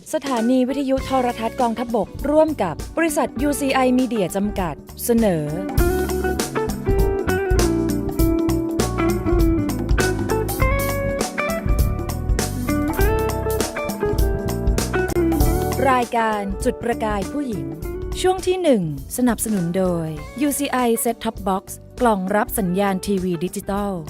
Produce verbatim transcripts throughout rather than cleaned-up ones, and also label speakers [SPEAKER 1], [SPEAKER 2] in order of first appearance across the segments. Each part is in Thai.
[SPEAKER 1] สถานีวิทยุโทรทัศน์กองทัพบกร่วมกับบริษัท ยู ซี ไอ Media จำกัดเสนอรายการจุดประกายผู้หญิงช่วงที่หนึ่งสนับสนุนโดย ยู ซี ไอ Set Top Box กล่องรับสัญญาณทีวีดิจิตอล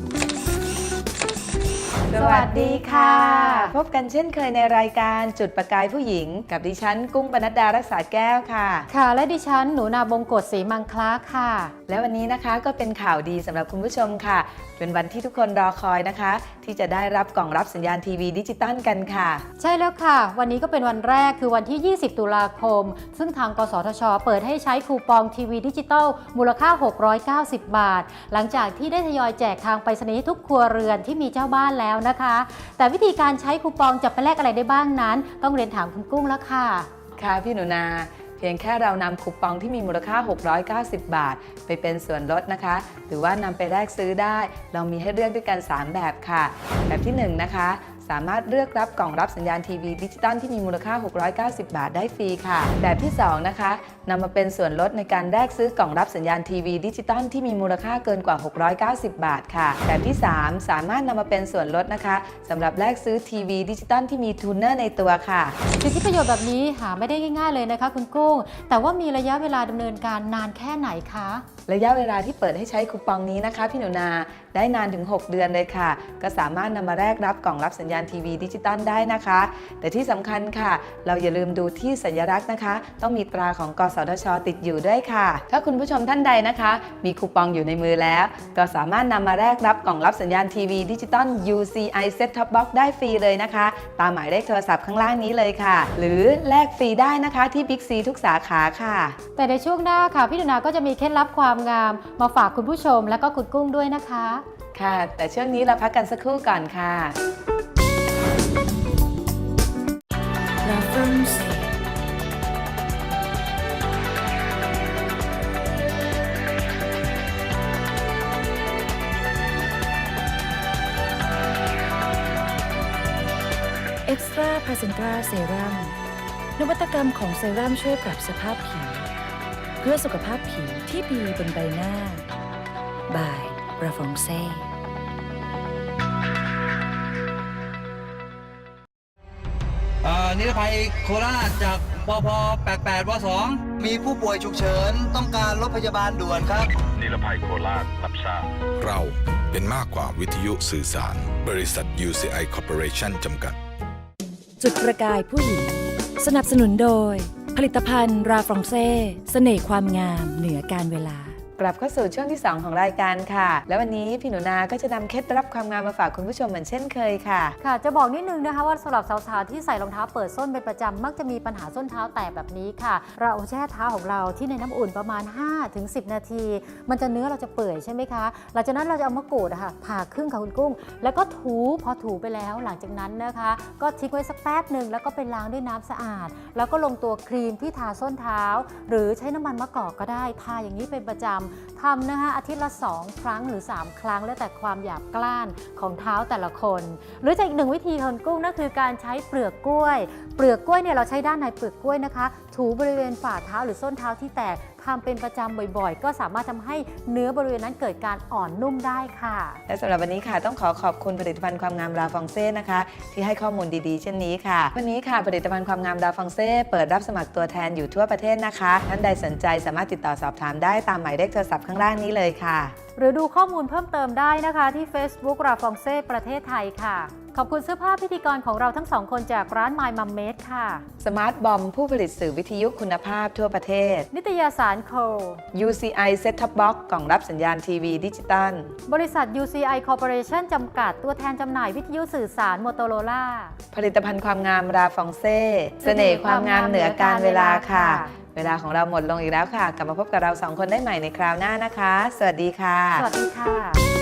[SPEAKER 2] สวัสดีค่ะพบกันเช่นเคยในรายการจุดประกายผู้หญิงกับดิฉันกุ้งปนัดดารักษาแก้วค่ะ
[SPEAKER 3] ค่ะและดิฉันหนูนาบงกฎศรีมังคลาค่ะ
[SPEAKER 2] และวันนี้นะคะก็เป็นข่าวดีสำหรับคุณผู้ชมค่ะเป็นวันที่ทุกคนรอคอยนะคะที่จะได้รับกล่องรับสัญญาณทีวีดิจิตอลกันค่ะ
[SPEAKER 3] ใช่แล้วค่ะวันนี้ก็เป็นวันแรกคือวันที่ยี่สิบตุลาคมซึ่งทางกสทช.เปิดให้ใช้คูปองทีวีดิจิตอลมูลค่าหกร้อยเก้าสิบบาทหลังจากที่ได้ทยอยแจกทางไปรษณีย์ทุกครัวเรือนที่มีเจ้าบ้านแล้วนะคะแต่วิธีการใช้คูปองจะไปแลกอะไรได้บ้างนั้นต้องเรียนถามคุณกุ้งแล้วค่ะ
[SPEAKER 2] ค่ะพี่หนูนาเพียงแค่เรานำคูปองที่มีมูลค่าหกร้อยเก้าสิบบาทไปเป็นส่วนลดนะคะหรือว่านำไปแลกซื้อได้เรามีให้เลือกด้วยกันสามแบบค่ะแบบที่หนึ่งนะคะสามารถเลือกรับกล่องรับสัญญาณทีวีดิจิตอลที่มีมูลค่าหกร้อยเก้าสิบบาทได้ฟรีค่ะแบบที่สองนะคะนำมาเป็นส่วนลดในการแลกซื้อกล่องรับสัญญาณทีวีดิจิตอลที่มีมูลค่าเกินกว่าหกร้อยเก้าสิบบาทค่ะแบบที่สามสามารถนำมาเป็นส่วนลดนะคะสำหรับแลกซื้อทีวีดิจิตอลที่มีทูนเนอร์ในตัวค่ะ
[SPEAKER 3] สิทธิประโยชน์แบบนี้หาไม่ได้ง่ายๆเลยนะคะคุณกุ้งแต่ว่ามีระยะเวลาดำเนินการนานแค่ไหนคะ
[SPEAKER 2] ระยะเวลาที่เปิดให้ใช้คูปองนี้นะคะพี่หนูนาได้นานถึงหกเดือนเลยค่ะก็สามารถนำมาแลกรับกล่องรับสัญญาณทีวีดิจิตอลได้นะคะแต่ที่สำคัญค่ะเราอย่าลืมดูที่สัญลักษณ์นะคะต้องมีตราของกสทช.ติดอยู่ด้วยค่ะถ้าคุณผู้ชมท่านใดนะคะมีคูปองอยู่ในมือแล้วก็สามารถนำมาแลกรับกล่องรับสัญญาณทีวีดิจิตอล ยู ซี ไอ Set Top Box ได้ฟรีเลยนะคะตามหมายเลขโทรศัพท์ข้างล่างนี้เลยค่ะหรือแลกฟรีได้นะคะที่ Big C ทุกสาขาค่ะ
[SPEAKER 3] แต่ในช่วงหน้าค่ะพี่หนูนาก็จะมีเคล็ดลับความงามมาฝากคุณผู้ชมและก็คุณกุ้งด้วยนะคะ
[SPEAKER 2] ค่ะแต่ช่วงนี้เราพักกันสักครู่ก่อนค่ะ
[SPEAKER 1] Extra Placenta Serum นวัตกรรมของเซรั่มช่วยปรับสภาพผิวเพื่อสุขภาพผิวที่ดีบนใบหน้า by ราฟองเซ่
[SPEAKER 4] นิรภัยโคราชจากปพแปดแปดวสอง
[SPEAKER 5] มีผู้ป่วยฉุกเฉินต้องการรถพยาบาลด่วนครับ
[SPEAKER 6] นิรภัยโคราชรับทราบ
[SPEAKER 7] เราเป็นมากกว่าวิทยุสื่อสารบริษัท ยู ซี ไอ Corporation จำกัด
[SPEAKER 1] จุดประกายผู้หญิงสนับสนุนโดยผลิตภัณฑ์ราฟรองเซ่เสน่ห์ความงามเหนือการเวลาก
[SPEAKER 2] ลับเข้าสู่ช่วงที่สองของรายการค่ะและวันนี้พี่หนูนาก็จะนำเคล็ดลับความงามมาฝากคุณผู้ชมเหมือนเช่นเคยค่ะ
[SPEAKER 3] ค่ะจะบอกนิดนึงนะคะว่าสำหรับสาวๆที่ใส่รองเท้าเปิดส้นเป็นประจำมักจะมีปัญหาส้นเท้าแตกแบบนี้ค่ะเราแช่เท้าของเราที่ในน้ำอุ่นประมาณ ห้าถึงสิบ นาทีมันจะเนื้อเราจะเปื่อยใช่ไหมคะหลังจากนั้นเราจะเอามะกรูดค่ะผ่าครึ่งค่ะคุณกุ้งแล้วก็ถูพอถูไปแล้วหลังจากนั้นนะคะก็ทิ้งไว้สักแป๊บหนึ่งแล้วก็ไปล้างด้วยน้ำสะอาดแล้วก็ลงตัวครีมที่ทาส้นเท้าหรือใช้น้ำมันมะกอกก็ได้ทาอย่างนี้เป็นประจำทำนะคะอาทิตย์ละสองครั้งหรือสามครั้งแล้วแต่ความหยาบกร้านของเท้าแต่ละคนหรือจะอีกหนึ่งวิธีของกุ้งนั่นคือการใช้เปลือกกล้วยเปลือกกล้วยเนี่ยเราใช้ด้านในเปลือกกล้วยนะคะถูบริเวณฝ่าเท้าหรือส้นเท้าที่แตกทำเป็นประจำบ่อยๆก็สามารถทำให้เนื้อบริเวณนั้นเกิดการอ่อนนุ่มได้ค่ะ
[SPEAKER 2] และสำหรับวันนี้ค่ะต้องขอขอบคุณผลิตภัณฑ์ความงามราฟองเซ่นะคะที่ให้ข้อมูลดีๆเช่นนี้ค่ะวันนี้ค่ะผลิตภัณฑ์ความงามราฟองเซ่เปิดรับสมัครตัวแทนอยู่ทั่วประเทศนะคะท่านใดสนใจสามารถติดต่อสอบถามได้ตามหมายเลขโทรศัพท์ข้างล่างนี้เลยค่ะ
[SPEAKER 3] หรือดูข้อมูลเพิ่มเติมได้นะคะที่ Facebook ราฟองเซ่ประเทศไทยค่ะขอบคุณเสื้อผ้าพิธีกรของเราทั้งสองคนจากร้าน My Mum Made ค่ะ
[SPEAKER 2] สมาร์ทบอมผู้ผลิตสื่อวิทยุคุณภาพทั่วประเทศ
[SPEAKER 3] นิตยสารโค
[SPEAKER 2] ยู ซี ไอ Set Top Box กล่องรับสัญญาณทีวีดิจิตอล
[SPEAKER 3] บริษัท ยู ซี ไอ Corporation จำกัดตัวแทนจำหน่ายวิทยุสื่อสาร Motorola
[SPEAKER 2] ผลิตภัณฑ์ความงามราฟองเซ่เสน่ห์ความงามเหนือการเวลาค่ะเวลาของเราหมดลงอีกแล้วค่ะกลับมาพบกับเราสองคนได้ใหม่ในคราวหน้านะคะสวัสดีค่ะ
[SPEAKER 3] สวัสดีค่ะ